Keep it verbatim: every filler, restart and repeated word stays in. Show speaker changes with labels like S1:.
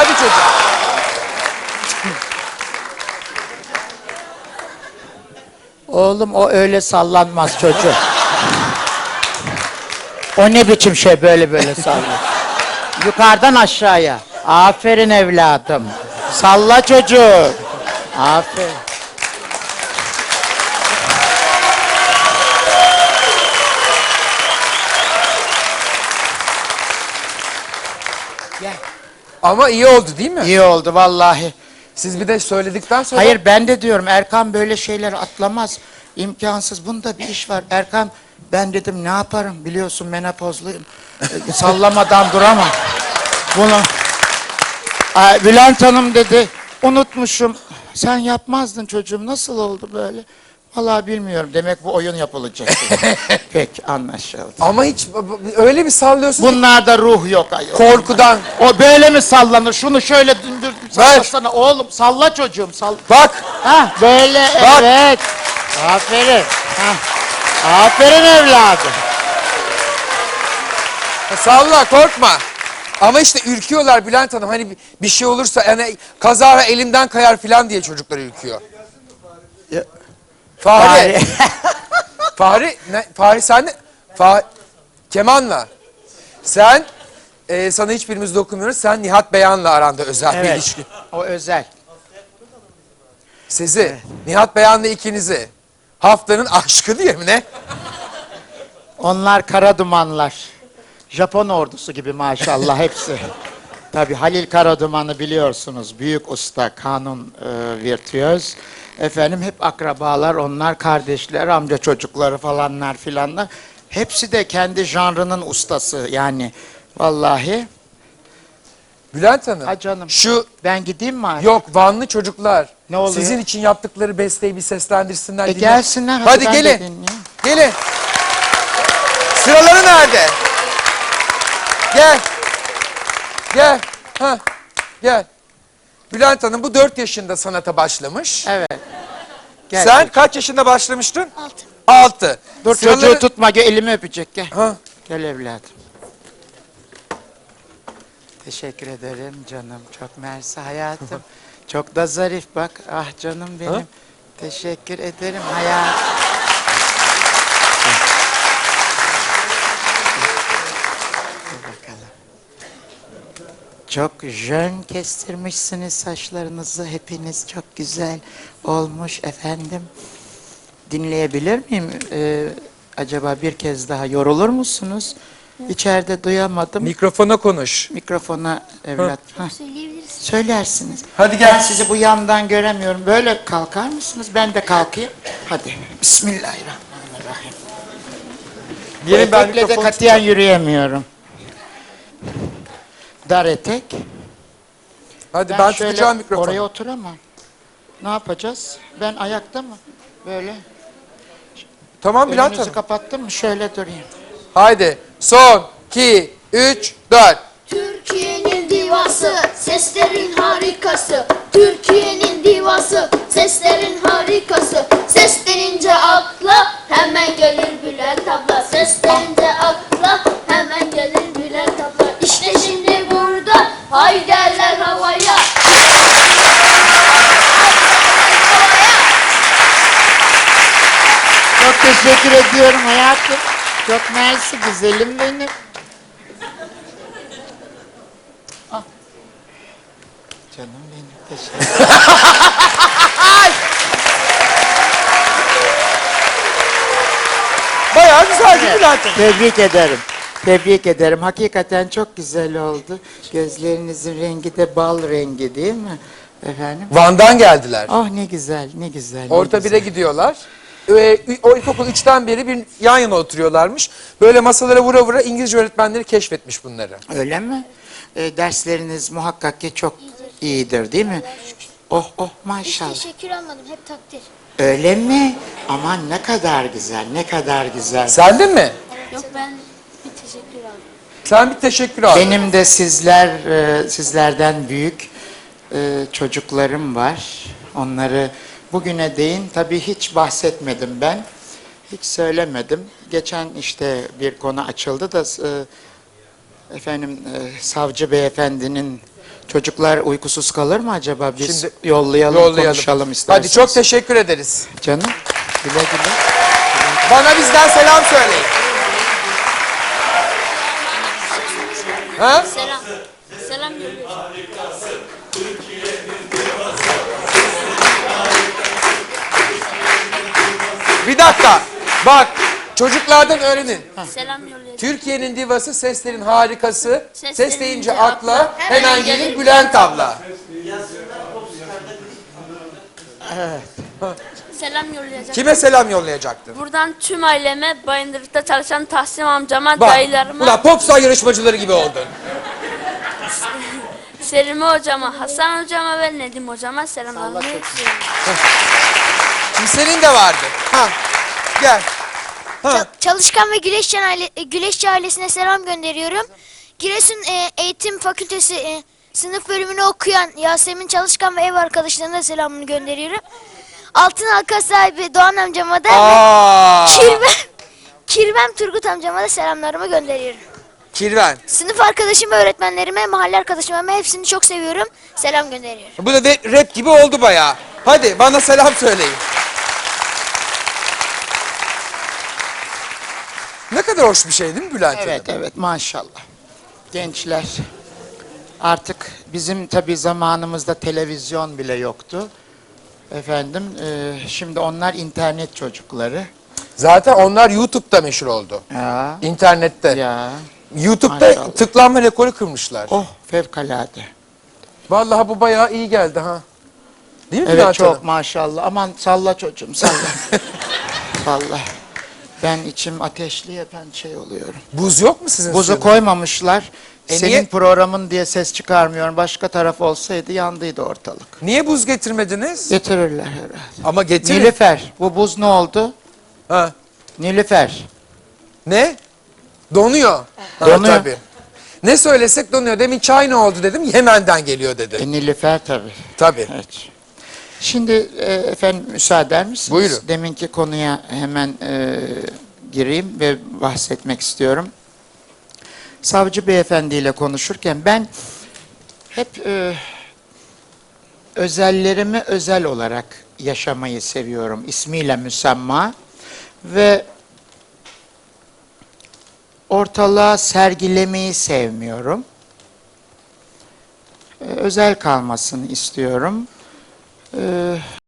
S1: Hadi çocuğum.
S2: Oğlum o öyle sallanmaz çocuğum. O ne biçim şey böyle böyle sallıyor. Yukarıdan aşağıya. Aferin evladım. Salla çocuğum. Aferin. Gel.
S1: Ama iyi oldu değil mi?
S2: İyi oldu vallahi.
S1: Siz bir de söyledikten sonra...
S2: Hayır ben de diyorum Erkan böyle şeyler atlamaz. İmkansız. Bunda bir iş var. Erkan ben dedim ne yaparım biliyorsun menopozluyum. E, sallamadan duramam. Bunu Aa, Bülent Hanım dedi unutmuşum. Sen yapmazdın çocuğum nasıl oldu böyle? Vallahi bilmiyorum. Demek bu oyun yapılacak. Peki anlaşıldı.
S1: Ama hiç öyle bir sallıyorsun.
S2: Bunlarda ruh yok ayol.
S1: Korkudan.
S2: O böyle mi sallanır? Şunu şöyle döndür sallasana oğlum. Salla çocuğum salla.
S1: Bak.
S2: Ha böyle
S1: Bak.
S2: evet. Aferin. Ha. Aferin evladım.
S1: Salla korkma. Ama işte ürküyorlar Bülent Hanım. Hani bir şey olursa yani kazara elimden kayar falan diye çocuklar ürküyor.
S2: Ya.
S1: Fahri. Fahri. Ne? Fahri sen de. Fah Keman'la. Sen e, sana hiçbirimiz dokunmuyoruz. Sen Nihat Beyan'la aranda özel
S2: Evet.
S1: bir ilişki.
S2: O özel.
S1: Sizi. Evet. Nihat Beyan'la ikinizi. Haftanın aşkı diye mi ne?
S2: Onlar kara dumanlar. Japon ordusu gibi maşallah hepsi. Tabii Halil Karaduman'ı biliyorsunuz. Büyük usta, kanun e, virtüöz. Efendim hep akrabalar, onlar kardeşler, amca çocukları falanlar filanlar. Hepsi de kendi janrının ustası yani. Vallahi.
S1: Bülent Hanım.
S2: Ha canım.
S1: Şu
S2: Ben gideyim mi abi?
S1: yok Vanlı çocuklar.
S2: Ne oluyor?
S1: Sizin için yaptıkları besteyi bir seslendirsinler.
S2: E
S1: dinle.
S2: gelsinler.
S1: Hadi,
S2: ben
S1: gelin.
S2: de dinleyeyim.
S1: Gelin. Sıraları nerede? Gel. Gel. Ha. Gel. Bülent Hanım bu dört yaşında sanata başlamış.
S2: Evet. Gel
S1: Sen
S2: çocuğum.
S1: kaç yaşında başlamıştın?
S3: Altı.
S1: Altı.
S2: Dur
S1: Sıraları...
S2: çocuğu tutma, gel elimi öpecek gel.
S1: Ha.
S2: Gel evladım. Teşekkür ederim canım. Çok mersi hayatım. Çok da zarif bak. Ah canım benim.
S1: Ha?
S2: Teşekkür ederim hayatım. Dur bakalım. Çok jön kestirmişsiniz saçlarınızı. Hepiniz çok güzel olmuş efendim. Dinleyebilir miyim? Ee, acaba bir kez daha yorulur musunuz? İçeride duyamadım.
S1: Mikrofona konuş.
S2: Mikrofona evlat. Hah,
S3: Söyleyebiliriz.
S2: söylersiniz.
S1: Hadi gel.
S2: Ben sizi bu yandan göremiyorum. Böyle kalkar mısınız? Ben de kalkayım. Hadi. Bismillahirrahmanirrahim. Bu
S1: Gelin ben
S2: etekle de
S1: mikrofonu
S2: katiyen yürüyemiyorum. Dar etek.
S1: Hadi ben,
S2: şöyle
S1: tutacağım mikrofonu.
S2: oraya oturamam. Ne yapacağız? Ben ayakta mı? Böyle.
S1: Tamam Bülent
S2: Önünüzü
S1: Hanım.
S2: kapattım mı? Şöyle durayım.
S1: Haydi. Son, iki, üç, dört.
S3: Türkiye'nin divası, seslerin harikası. Türkiye'nin divası, seslerin harikası. Ses denince akla hemen gelir Bülent abla. Ses denince akla hemen gelir Bülent abla. İşte şimdi burada hayderler havaya.
S2: Çok teşekkür ediyorum hayatım. Çok mersi güzelim benim. Ah. Canım benim teşekkür ederim.
S1: Bayağı güzel değil mi Bülent Hanım?
S2: Tebrik ederim. Tebrik ederim. Hakikaten çok güzel oldu. Gözlerinizin rengi de bal rengi değil mi? Efendim?
S1: Van'dan geldiler.
S2: Oh ne güzel, ne güzel. ne
S1: Orta
S2: güzel.
S1: bire gidiyorlar. Ee, o ilkokul üçten beri bir yan yana oturuyorlarmış. Böyle masalara vura vura İngilizce öğretmenleri keşfetmiş bunları.
S2: Öyle mi? Ee, dersleriniz muhakkak ki çok iyidir değil mi? Oh oh
S3: Hiç
S2: maşallah.
S3: teşekkür almadım, hep takdir.
S2: Öyle mi? Aman ne kadar güzel, ne kadar güzel.
S1: Sen de mi?
S3: Yok, ben bir teşekkür aldım.
S1: Sen bir teşekkür al.
S2: Benim de sizler, e, sizlerden büyük e, çocuklarım var. Onları bugüne değin tabii hiç bahsetmedim ben. Hiç söylemedim. Geçen işte bir konu açıldı da e, efendim e, savcı beyefendinin çocuklar uykusuz kalır mı acaba? Biz
S1: Şimdi
S2: yollayalım,
S1: Yollayalım.
S2: konuşalım isterseniz.
S1: Hadi çok teşekkür ederiz.
S2: Canım, güle güle.
S1: Bana bizden selam söyleyin. Ha?
S3: Selam. Selam yolluyorum.
S1: Bir dakika. Bak çocuklardan öğrenin.
S3: Selam yolluyorum.
S1: Türkiye'nin divası, seslerin harikası.
S3: Ses
S1: Ses deyince
S3: deyince
S1: akla
S3: akla
S1: hemen
S3: hemen
S1: gelir
S3: gelir
S1: Bülent abla.
S3: Selam yollayacağım.
S1: Kime selam yollayacaktın?
S3: Buradan tüm aileme, Bayındırlık'ta çalışan Tahsin amcama,
S1: Bak,
S3: dayılarıma,
S1: ulan popstar yarışmacıları gibi oldun.
S3: Serime hocama, Hasan hocama ve Nedim hocama selamlarımı sunuyorum.
S1: Şimdi senin de vardı. Ha, gel. Ha.
S4: Çalışkan ve Güleşçi, aile, Güleşçi ailesine selam gönderiyorum. Giresun e, Eğitim Fakültesi e, sınıf bölümünü okuyan Yasemin Çalışkan ve ev arkadaşlarına da selamını gönderiyorum. Altın halka sahibi Doğan amcama da
S1: Aa,
S4: ve Kirvem, Kirvem Turgut amcama da selamlarımı gönderiyorum.
S1: Kirven.
S4: Sınıf arkadaşım ve öğretmenlerime, mahalle arkadaşlarıma hepsini çok seviyorum. Selam gönderiyorum.
S1: Bu da de rap gibi oldu bayağı. Hadi bana selam söyleyin. Ne kadar hoş bir şey değil mi Bülent
S2: Evet,
S1: Hanım?
S2: evet, maşallah. Gençler, artık bizim tabii zamanımızda televizyon bile yoktu. Efendim, e, şimdi onlar internet çocukları.
S1: Zaten onlar YouTube'da meşhur oldu.
S2: Ya,
S1: İnternette.
S2: ya,
S1: YouTube'da
S2: Maşallah.
S1: tıklanma rekoru kırmışlar.
S2: oh fevkalade.
S1: Vallahi bu bayağı iyi geldi ha. Değil mi
S2: Evet,
S1: Bülent
S2: çok
S1: Hanım?
S2: maşallah. Aman salla çocuğum, salla. Vallahi. Ben içim ateşli ben şey oluyorum.
S1: Buz yok mu sizin
S2: Buzu
S1: suyunuz?
S2: koymamışlar.
S1: E
S2: Senin
S1: niye-
S2: programın diye ses çıkarmıyorum. Başka taraf olsaydı yandıydı ortalık.
S1: Niye buz getirmediniz?
S2: Getirirler herhalde.
S1: Ama getirin.
S2: Nilüfer. Bu buz ne oldu?
S1: Ha.
S2: Nilüfer.
S1: Ne? Donuyor. Ha,
S2: Donuyor.
S1: tabii. Ne söylesek donuyor. Demin çay ne oldu dedim. Yemen'den geliyor dedi.
S2: E, Nilüfer tabii.
S1: Tabii.
S2: Evet. Şimdi e, efendim müsaade eder misiniz?
S1: Buyurun.
S2: Deminki konuya hemen e, gireyim ve bahsetmek istiyorum. Savcı beyefendiyle konuşurken ben hep e, özellerimi özel olarak yaşamayı seviyorum. İsmiyle müsemma ve ortalığa sergilemeyi sevmiyorum. E, özel kalmasını istiyorum. E,